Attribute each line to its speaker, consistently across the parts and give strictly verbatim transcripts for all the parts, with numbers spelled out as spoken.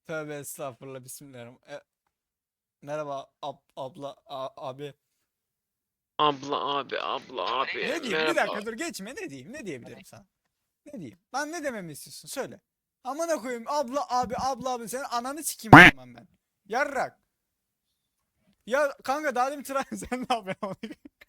Speaker 1: Tövbe estağfurullah, bismillahirrahmanirrahim. E, merhaba ab, abla a- abi.
Speaker 2: Abla abi abla abi
Speaker 1: Ne diyeyim? Bir
Speaker 2: merhaba.
Speaker 1: dakika dur, geçme, ne diyeyim? Ne diyebilirim sana? Ne diyeyim? Lan ne dememi istiyorsun? Söyle. Amına koyayım, abla abi abla abi, senin ananı sikeyim o zaman ben. Yarrak. Ya kanka, daha demin tıra sen ne yapıyorsun?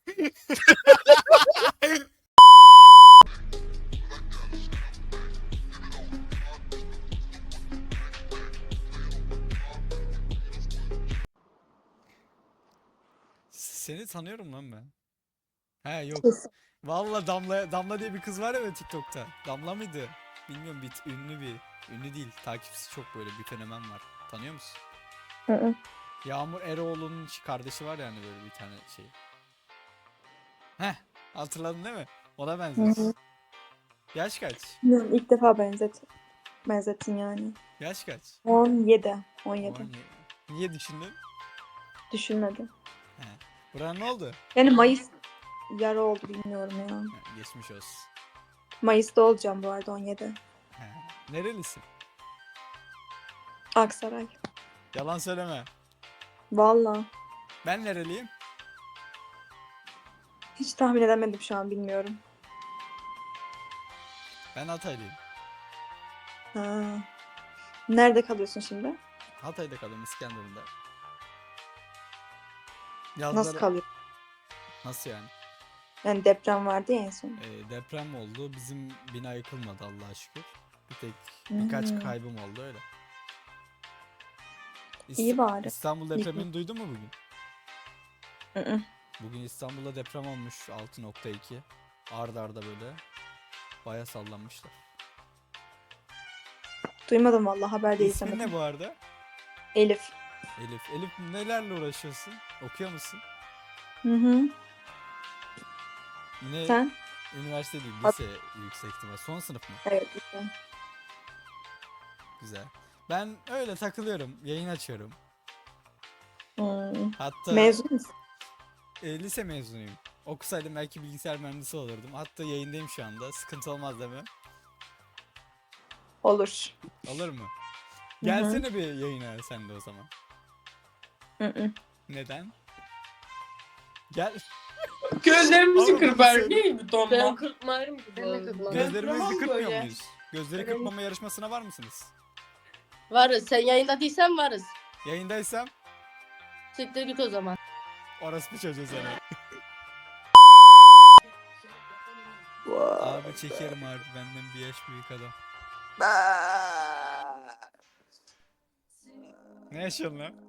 Speaker 1: Seni tanıyorum lan ben. He yok. Vallahi Damla Damla diye bir kız var ya TikTok'ta. Damla mıydı? Bilmiyorum, bir ünlü bir. Ünlü değil. Takipçisi çok, böyle bir fenomen var. Tanıyor musun?
Speaker 3: Hı hı.
Speaker 1: Yağmur Eroğlu'nun kardeşi var yani, böyle bir tane şey. Heh, hatırladın değil mi? Ona
Speaker 3: Hı
Speaker 1: benziyorsun.
Speaker 3: hı.
Speaker 1: Yaş kaç?
Speaker 3: Bilmiyorum, İlk defa benzet benzettin yani.
Speaker 1: Yaş kaç?
Speaker 3: on yedi. on yedi.
Speaker 1: on yedi. Niye düşündün?
Speaker 3: Düşünmedim.
Speaker 1: He. Buran ne oldu?
Speaker 3: Yani Mayıs yarı oldu bilmiyorum ya.
Speaker 1: He, geçmiş olsun.
Speaker 3: Mayıs'ta olacağım bu arada on yedi.
Speaker 1: He. Nerelisin?
Speaker 3: Aksaray.
Speaker 1: Yalan söyleme.
Speaker 3: Valla.
Speaker 1: Ben nereliyim?
Speaker 3: Hiç tahmin edemedim şu an bilmiyorum.
Speaker 1: Ben Hataylıyım.
Speaker 3: Ha. Nerede kalıyorsun şimdi?
Speaker 1: Hatay'da kalıyorum, İskenderun'da.
Speaker 3: Nasıl
Speaker 1: Yazları...
Speaker 3: kalıyorsun?
Speaker 1: Nasıl yani?
Speaker 3: Yani deprem vardı ya en son.
Speaker 1: Ee, deprem oldu. Bizim bina yıkılmadı Allah'a şükür. Bir tek birkaç
Speaker 3: Hmm.
Speaker 1: kaybım oldu öyle. İst-
Speaker 3: İyi bari.
Speaker 1: İstanbul depremini duydun mu bugün?
Speaker 3: Hı hı.
Speaker 1: Bugün İstanbul'da deprem olmuş, altı nokta iki. Arda arda böyle. Baya sallanmışlar.
Speaker 3: Duymadım valla, haber de
Speaker 1: İsmin
Speaker 3: izlemedim.
Speaker 1: ne bu arada?
Speaker 3: Elif.
Speaker 1: Elif. Elif, nelerle uğraşıyorsun? Okuyor musun?
Speaker 3: Hı hı.
Speaker 1: Yine
Speaker 3: Sen?
Speaker 1: üniversite değil,
Speaker 3: At-
Speaker 1: lise yüksek ihtimal. Son sınıf mı?
Speaker 3: Evet. Güzel.
Speaker 1: Güzel. Ben öyle takılıyorum, yayın açıyorum.
Speaker 3: Hmm.
Speaker 1: Hatta
Speaker 3: Mezun musun?
Speaker 1: e, lise mezunuyum. Okusaydım belki bilgisayar mühendisi olurdum. Hatta yayındayım şu anda. Sıkıntı olmaz değil mi?
Speaker 3: Olur.
Speaker 1: Olur mu?
Speaker 3: hı.
Speaker 1: Gelsene bir yayına sen de o zaman.
Speaker 3: Hı hı.
Speaker 1: Neden? Gel.
Speaker 4: Gözlerimizi
Speaker 1: Ama
Speaker 4: kır
Speaker 1: bunu
Speaker 4: bari.
Speaker 1: söyle-
Speaker 4: Neydi
Speaker 5: Ben
Speaker 4: donma?
Speaker 5: kırpmayarım ki.
Speaker 4: Ben de
Speaker 5: bu
Speaker 4: kırpmam.
Speaker 5: arada.
Speaker 1: Gözlerimizi
Speaker 4: Tamam
Speaker 1: kırpmıyor
Speaker 4: böyle.
Speaker 1: muyuz? Gözleri
Speaker 5: Evet.
Speaker 1: kırpmama yarışmasına var mısınız?
Speaker 5: Varız. Sen yayında değilsen varız.
Speaker 1: Yayındaysam
Speaker 5: Siktir git o zaman.
Speaker 1: orospu çocuğu seni. Abi çekerim abi, benden bir yaş büyük adam. Ne yaşıyorsun lan?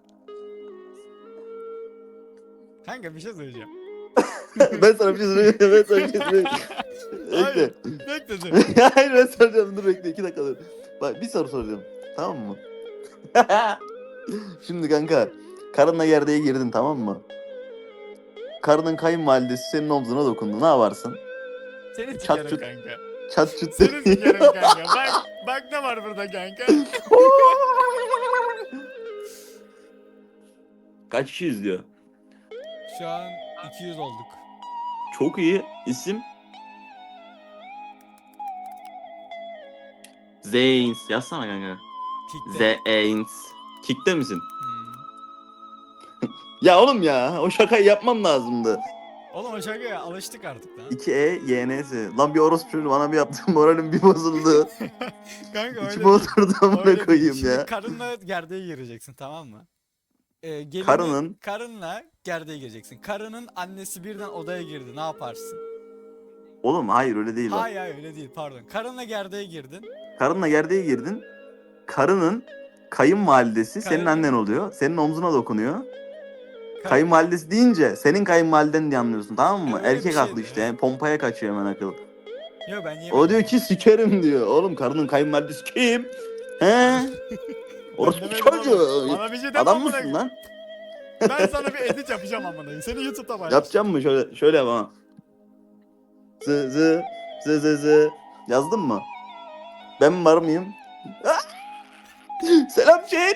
Speaker 1: Kanka bir şey söyleyeceğim.
Speaker 6: Ben sana bir şey söyleyeyim. Ben sana bir şey söyleyeyim.
Speaker 1: Hayır.
Speaker 6: Bekle.
Speaker 1: Bekle dur.
Speaker 6: Hayır ben soracağım. Dur bekle. iki dakika dur. Bak bir soru soracağım. Tamam mı? Şimdi kanka. Karınla gerdeğe girdin, tamam mı? Karının kayınvalidesi senin omzuna dokundu. Ne yaparsın?
Speaker 1: Seni
Speaker 6: Çat
Speaker 1: sikerim
Speaker 6: çut.
Speaker 1: kanka.
Speaker 6: Çat çut.
Speaker 1: Seni sikerim kanka. Bak, bak ne var burada kanka.
Speaker 6: Kaç kişi izliyor?
Speaker 1: Şu an iki yüz olduk.
Speaker 6: Çok iyi. İsim? Zeyns. Yazsana kanka.
Speaker 1: Kick'te.
Speaker 6: Zeyns. Kick'te misin?
Speaker 1: Hmm.
Speaker 6: Ya oğlum ya. O şakayı yapmam lazımdı.
Speaker 1: Oğlum o şakaya alıştık artık lan.
Speaker 6: iki E Y N S. Lan bir orospu çocuğu bana bir yaptın. Moralim bir bozuldu.
Speaker 1: Kanka öyle
Speaker 6: İçime
Speaker 1: değil.
Speaker 6: oturdu amına
Speaker 1: Öyle değil.
Speaker 6: koyayım
Speaker 1: Şimdi
Speaker 6: ya.
Speaker 1: karınla gerdeğe gireceksin, tamam mı? Ee, gelini,
Speaker 6: Karının-
Speaker 1: karınla gerdeğe gireceksin. Karının annesi birden odaya girdi. Ne yaparsın?
Speaker 6: Oğlum hayır öyle değil bak.
Speaker 1: Hayır hayır öyle değil, pardon. Karınla gerdeğe girdin.
Speaker 6: Karınla gerdeğe girdin. Karının kayınvalidesi senin
Speaker 1: Karının-
Speaker 6: annen oluyor. Senin omzuna dokunuyor.
Speaker 1: Karın-
Speaker 6: Kayınvalidesi deyince senin kayınvaliden diye anlıyorsun, tamam mı?
Speaker 1: Öyle bir
Speaker 6: Erkek
Speaker 1: şeydi,
Speaker 6: aklı işte.
Speaker 1: evet.
Speaker 6: Pompaya kaçıyor hemen akıl.
Speaker 1: Yo ben yemedim.
Speaker 6: O diyor ki sikerim diyor. Oğlum karının kayınvalidesi kim? He? Orospu
Speaker 1: demedim
Speaker 6: çocuğu.
Speaker 1: oğlum. Bana bir şey deme
Speaker 6: Adam
Speaker 1: amına
Speaker 6: mısın lan?
Speaker 1: Ben sana bir edit yapacağım amına koyayım. Seni YouTube'da paylaşacağım.
Speaker 6: Yapacağım mı? Şöyle şöyle yap ama. Zı zı zı zı zı. Yazdın mı? Ben var mıyım? Ah! Selam chat.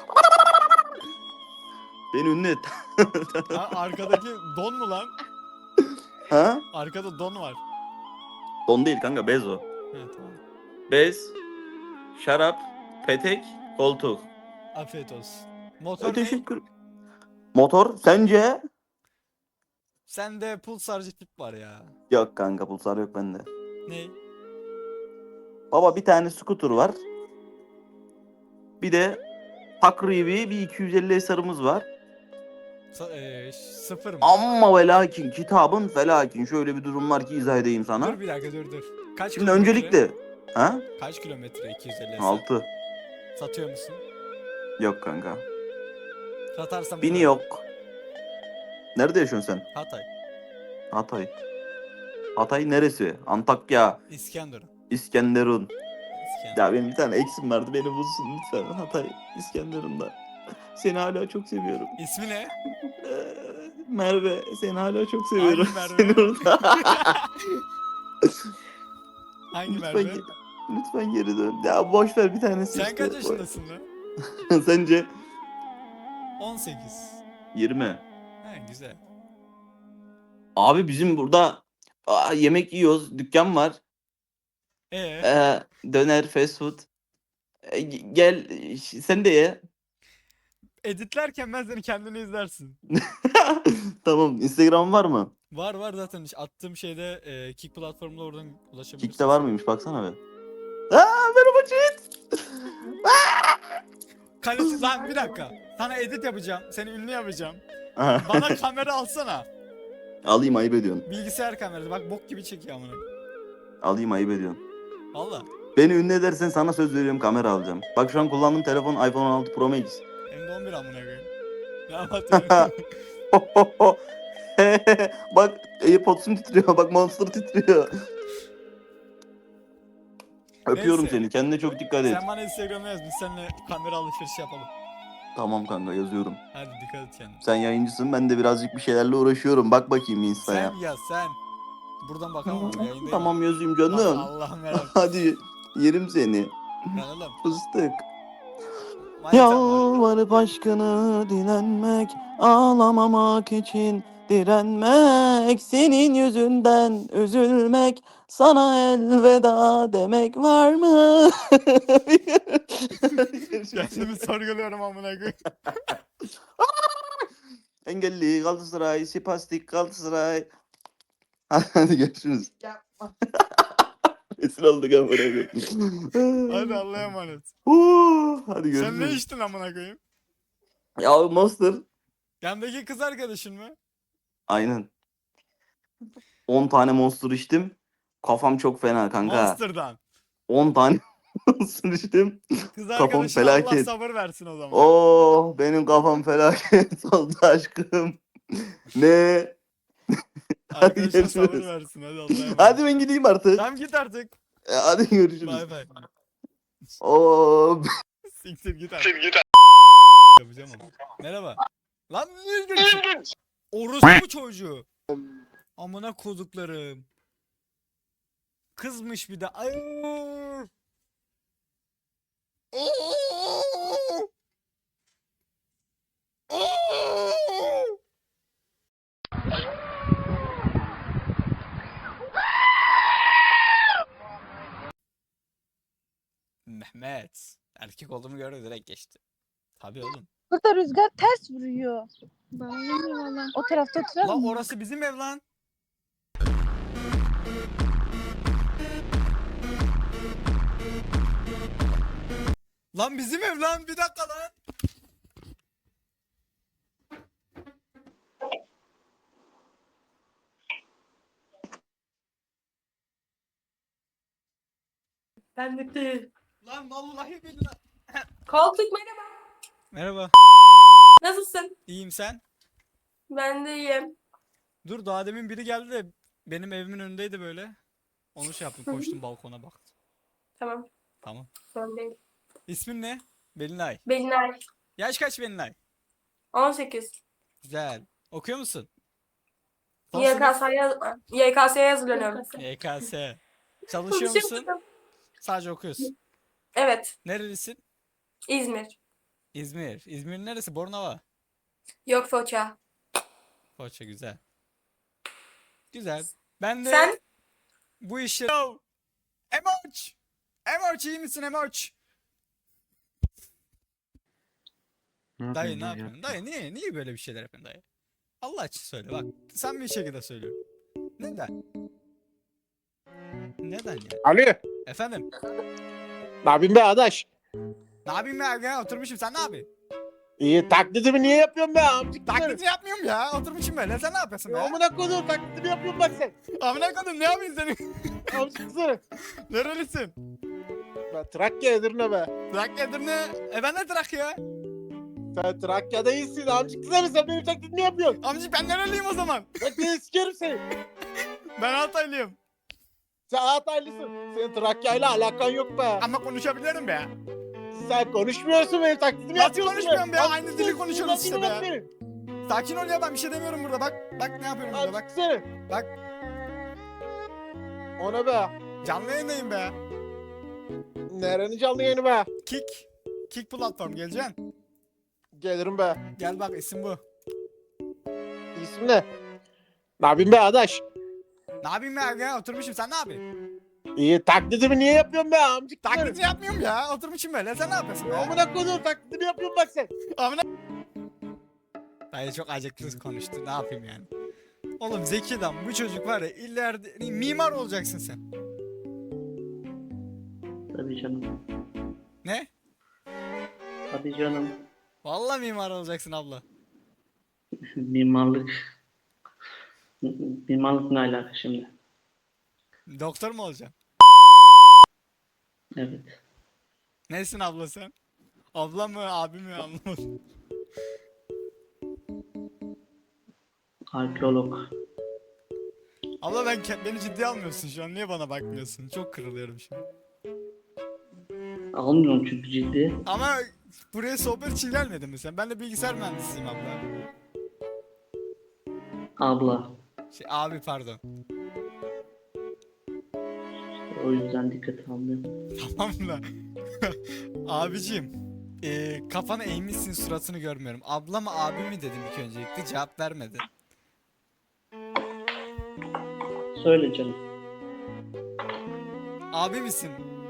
Speaker 6: Beni ünlü et.
Speaker 1: Ha, arkadaki don mu lan?
Speaker 6: Ha?
Speaker 1: Arkada don var.
Speaker 6: Don değil kanka, bez o.
Speaker 1: Evet tamam.
Speaker 6: Bez, şarap, petek, koltuk.
Speaker 1: Afiyet olsun. Motor ne?
Speaker 6: Teşekkür. Motor sence?
Speaker 1: Sende pulsarcı tip var ya.
Speaker 6: Yok kanka, pulsar yok bende.
Speaker 1: Ne?
Speaker 6: Baba bir tane scooter var. Bir de takribi bir iki yüz elli eserimiz var.
Speaker 1: Sa- eee, sıfır mı?
Speaker 6: Ama ve lakin kitabın felakin. Şöyle bir durum var ki izah edeyim sana.
Speaker 1: Dur bir dakika dur dur. Kaç
Speaker 6: Şimdi
Speaker 1: kilometre?
Speaker 6: öncelikle ha?
Speaker 1: Kaç kilometre iki yüz elli eser?
Speaker 6: altı.
Speaker 1: Satıyor musun?
Speaker 6: Yok kanka.
Speaker 1: Satarsan
Speaker 6: Bini
Speaker 1: burada.
Speaker 6: yok. Nerede yaşıyorsun sen?
Speaker 1: Hatay.
Speaker 6: Hatay. Hatay neresi? Antakya,
Speaker 1: İskenderun.
Speaker 6: İskenderun.
Speaker 1: İskenderun.
Speaker 6: Ya benim bir tane eksim vardı, beni bulsun lütfen. Hatay, İskenderun'da. Seni hala çok seviyorum.
Speaker 1: İsmi ne?
Speaker 6: Ee, Merve, seni hala çok seviyorum.
Speaker 1: Hangi Merve?
Speaker 6: Seni orada.
Speaker 1: Hangi
Speaker 6: lütfen,
Speaker 1: Merve?
Speaker 6: ge- lütfen geri dön. Ya boş ver bir tanesi.
Speaker 1: Sen
Speaker 6: işte.
Speaker 1: kaç yaşındasın lan?
Speaker 6: Sence?
Speaker 1: on sekiz.
Speaker 6: yirmi.
Speaker 1: He güzel.
Speaker 6: Abi bizim burada aa, yemek yiyoruz. Dükkan var.
Speaker 1: Ee,
Speaker 6: Ee, döner, fast food. Ee, g- gel ş- sen de ye.
Speaker 1: editlerken ben seni kendini izlersin.
Speaker 6: Tamam. Instagram var mı?
Speaker 1: Var var zaten attığım şeyde e, Kick platformunda oradan ulaşabilirsin.
Speaker 6: Kick'te var mıymış? Baksana be. Aa, merhaba chat.
Speaker 1: Kaleci lan bir dakika. Sana edit yapacağım. Seni ünlü yapacağım.
Speaker 6: Aha.
Speaker 1: Bana kamera alsana.
Speaker 6: Alayım, ayıp ediyorsun.
Speaker 1: Bilgisayar kamerası. Bak bok gibi çekiyor amına.
Speaker 6: Alayım, ayıp ediyorsun.
Speaker 1: Valla.
Speaker 6: Beni ünlü edersen sana söz veriyorum, kamera alacağım. Bak şu an kullandığım telefon iPhone on altı Pro Max.
Speaker 1: Hem de on bir amına koyayım. Ne anlatıyorum?
Speaker 6: Bak AirPods'um titriyor. Bak Monster titriyor. Öpüyorum
Speaker 1: Neyse.
Speaker 6: seni. Kendine çok dikkat et.
Speaker 1: Sen bana Instagram'a yaz. Biz seninle kamera alışverişi yapalım.
Speaker 6: Tamam kanka, yazıyorum.
Speaker 1: Hadi dikkat et kendine.
Speaker 6: Sen yayıncısın, ben de birazcık bir şeylerle uğraşıyorum. Bak bakayım Insta'ya.
Speaker 1: Sen yaz sen. Buradan bakamam ama yayındayım.
Speaker 6: Tamam, yazayım
Speaker 1: Bak,
Speaker 6: canım.
Speaker 1: Allah'ım merak.
Speaker 6: Hadi yerim seni.
Speaker 1: Lan oğlum.
Speaker 6: Fıstık.
Speaker 1: Manitam var.
Speaker 6: Yalvarıp aşkını dilenmek, ağlamamak için direnmek, senin yüzünden üzülmek, sana elveda demek var mı?
Speaker 1: Kendimi sorguluyorum amına koyayım.
Speaker 6: Engelli Galatasaray, Sipastik Galatasaray. Hadi görüşürüz. Rezil olduk amına koyayım.
Speaker 1: Hadi Allah'a emanet.
Speaker 6: Huu, Hadi görüşürüz.
Speaker 1: Sen ne içtin amına koyayım?
Speaker 6: Ya Monster.
Speaker 1: Yandaki kız arkadaşın mı?
Speaker 6: Aynen. on tane Monster içtim. Kafam çok fena kanka.
Speaker 1: Monster'dan.
Speaker 6: on tane Monster içtim.
Speaker 1: Kız
Speaker 6: Kafam
Speaker 1: arkadaşına Allah
Speaker 6: felaket.
Speaker 1: sabır versin o zaman.
Speaker 6: Oh, benim kafam felaket oldu aşkım. Ne?
Speaker 1: Arkadaşına sabır
Speaker 6: görüşürüz.
Speaker 1: versin hadi Allah'a emanet.
Speaker 6: Hadi ben gideyim artık.
Speaker 1: Tamam git artık.
Speaker 6: E, Hadi görüşürüz.
Speaker 1: Bay bay.
Speaker 6: Oh.
Speaker 1: Siktir git artık. Yapacağım ama. Merhaba. Lan niye gidiyorsun? Orospu çocuğu. Amına koduklarım. Kızmış bir de. Ay. Mehmet. Erkek olduğumu gördü direkt geçti. Tabii oğlum.
Speaker 7: Burada rüzgar ters vuruyor. O tarafta oturalım
Speaker 1: Lan
Speaker 7: mı?
Speaker 1: orası bizim ev lan. Lan bizim ev lan bir dakika lan.
Speaker 5: Ben bitti.
Speaker 1: Lan vallahi billahi.
Speaker 5: Koltuk merhaba.
Speaker 1: Merhaba.
Speaker 5: Nasılsın?
Speaker 1: İyiyim sen?
Speaker 5: Ben de iyiyim.
Speaker 1: Dur daha demin biri geldi de benim evimin önündeydi böyle. Onu şey yaptım koştum balkona baktım.
Speaker 5: Tamam.
Speaker 1: Tamam.
Speaker 5: Sorun değil.
Speaker 1: İsmin ne? Belinay.
Speaker 5: Belinay.
Speaker 1: Yaş kaç Belinay?
Speaker 5: on sekiz.
Speaker 1: Güzel. Okuyor musun? Son sınıf.
Speaker 5: YKS'ye Y K S'ye hazırlanıyorum.
Speaker 1: Y K S. Çalışıyor musun? Sadece okuyorsun.
Speaker 5: Evet.
Speaker 1: Nerelisin?
Speaker 5: İzmir.
Speaker 1: İzmir. İzmir'in neresi? Bornova.
Speaker 5: Yok Foça.
Speaker 1: Foça güzel. Güzel. Ben de
Speaker 5: Sen?
Speaker 1: bu işi... Yo! Emoç! Emoç iyi misin Emoç?
Speaker 2: Ne
Speaker 1: Dayı ne
Speaker 2: yapıyorsun ya?
Speaker 1: yapıyorsun? Dayı niye niye böyle bir şeyler yapıyorsun dayı? Allah için söyle bak. Sen bir şekilde söylüyorum. Neden? Neden ya?
Speaker 4: Ali.
Speaker 1: Efendim?
Speaker 4: Ne yapayım be adaş?
Speaker 1: Ne yapayım ya? Gel oturmuşum sen ne yapıyorsun?
Speaker 4: İyi taklidimi niye yapıyorsun be amcık?
Speaker 1: Taklidi yapmıyorum ya. Oturmuşum böyle. Sen ne yapıyorsun be?
Speaker 4: Amına koyduğum taklidimi yapıyorum bak sen.
Speaker 1: Amına koydum ne yapıyorsun senin?
Speaker 4: Amcık kızı.
Speaker 1: Nerelisin?
Speaker 4: Ben Trakya Edirne be.
Speaker 1: Trakya'dır ne? E ben de Trakya.
Speaker 4: Sen Trakya'da iyisin amcık kızı. Sen benim taklidimi yapıyorsun.
Speaker 1: Amca ben nereliyim o zaman?
Speaker 4: Bak seni sikerim seni.
Speaker 1: Ben Altaylıyım.
Speaker 4: Sen Hataylısın. Senin Trakya'yla alakan yok be.
Speaker 1: Ama konuşabilirim be.
Speaker 4: Sen konuşmuyorsun benim taklidimi
Speaker 1: Nasıl
Speaker 4: yapıyorsun.
Speaker 1: konuşmuyorum be?
Speaker 4: Amcık
Speaker 1: Aynı
Speaker 4: kızı,
Speaker 1: dili
Speaker 4: sen
Speaker 1: konuşuyoruz işte be.
Speaker 4: dinlemez beni.
Speaker 1: Sakin ol ya ben bir şey demiyorum burada bak. Bak ne yapıyorum burada bak.
Speaker 4: Amcık seni.
Speaker 1: Bak.
Speaker 4: Ona be.
Speaker 1: Canlı yayındayım be.
Speaker 4: Nerenin canlı yayını be?
Speaker 1: Kick. Kick platform geleceksin.
Speaker 4: Gelirim be.
Speaker 1: Gel bak isim bu.
Speaker 4: İsmi ne? Ne yapayım be adaş?
Speaker 1: Ne yapayım ya? Gel oturmuşum sen ne yapıyorsun?
Speaker 4: İyi taklidimi niye yapıyorsun be amcık?
Speaker 1: Taklidi yapmıyorum ya. Oturmuşum böyle. Sen ne yapıyorsun be?
Speaker 4: Amına koyduğum taklidimi yapıyorum bak sen.
Speaker 1: Amına. Dayı çok acıklı konuştu. Ne yapayım yani? Oğlum zeki adam bu çocuk var ya ileride mimar olacaksın sen.
Speaker 8: Tabii canım.
Speaker 1: Ne?
Speaker 8: Tabii canım.
Speaker 1: Vallahi mimar olacaksın abla.
Speaker 8: Mimarlık. Mimarlık ne alaka şimdi?
Speaker 1: Doktor mu olacaksın?
Speaker 8: Evet.
Speaker 1: Nesin abla sen? Abla mı abi mi anlamadım.
Speaker 8: Arkeolog.
Speaker 1: Abla ben ke- beni ciddiye almıyorsun şu an. Niye bana bakmıyorsun? Çok kırılıyorum şimdi.
Speaker 8: Almıyorum çünkü ciddi.
Speaker 1: Ama buraya sohbet için gelmedin mi sen? Ben de bilgisayar mühendisiyim abla.
Speaker 8: Abla.
Speaker 1: Şey abi pardon.
Speaker 8: O yüzden dikkat almıyorum.
Speaker 1: Tamam da. Abicim. E, kafana eğmişsin suratını görmüyorum. Abla mı abi mi dedim ilk öncelikle cevap vermedi.
Speaker 8: Söyle canım.
Speaker 1: Abi misin?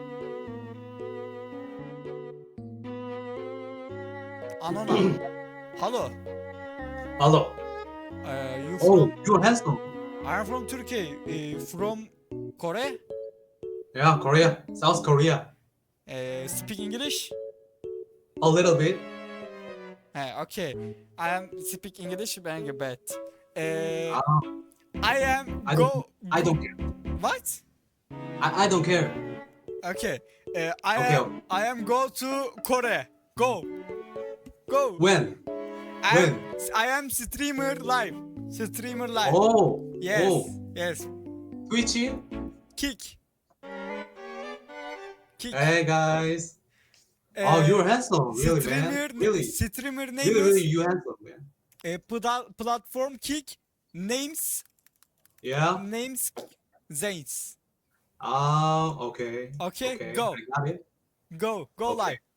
Speaker 1: Anona. Hello.
Speaker 9: Hello.
Speaker 1: Uh, you
Speaker 9: Oh,
Speaker 1: from?
Speaker 9: you're handsome.
Speaker 1: I'm from Turkey. Uh, from Korea.
Speaker 9: Yeah, Korea. South Korea.
Speaker 1: Uh, speak English?
Speaker 9: A little bit.
Speaker 1: Hey, okay. I am speak English very bad. Uh,
Speaker 9: Ah,
Speaker 1: I am
Speaker 9: I
Speaker 1: go.
Speaker 9: don't, I don't care.
Speaker 1: What?
Speaker 9: I, I don't care.
Speaker 1: Okay. Uh, I
Speaker 9: Okay,
Speaker 1: am I am go to Korea. Go. Go.
Speaker 9: When?
Speaker 1: I am,
Speaker 9: when?
Speaker 1: I am streamer live. Streamer live.
Speaker 9: Oh.
Speaker 1: Yes.
Speaker 9: Oh.
Speaker 1: Yes.
Speaker 9: Twitchy.
Speaker 1: Kick. Kick.
Speaker 9: Hey guys.
Speaker 1: Uh,
Speaker 9: Oh, you're handsome. Really,
Speaker 1: streamer,
Speaker 9: man. Really.
Speaker 1: Streamer name
Speaker 9: Really, really,
Speaker 1: is
Speaker 9: you handsome, man.
Speaker 1: uh, pla- platform kick names
Speaker 9: Yeah.
Speaker 1: names Zains.
Speaker 9: Ah, okay.
Speaker 1: Okay,
Speaker 9: Okay.
Speaker 1: go
Speaker 9: I got it.
Speaker 1: go go
Speaker 9: Okay.
Speaker 1: live.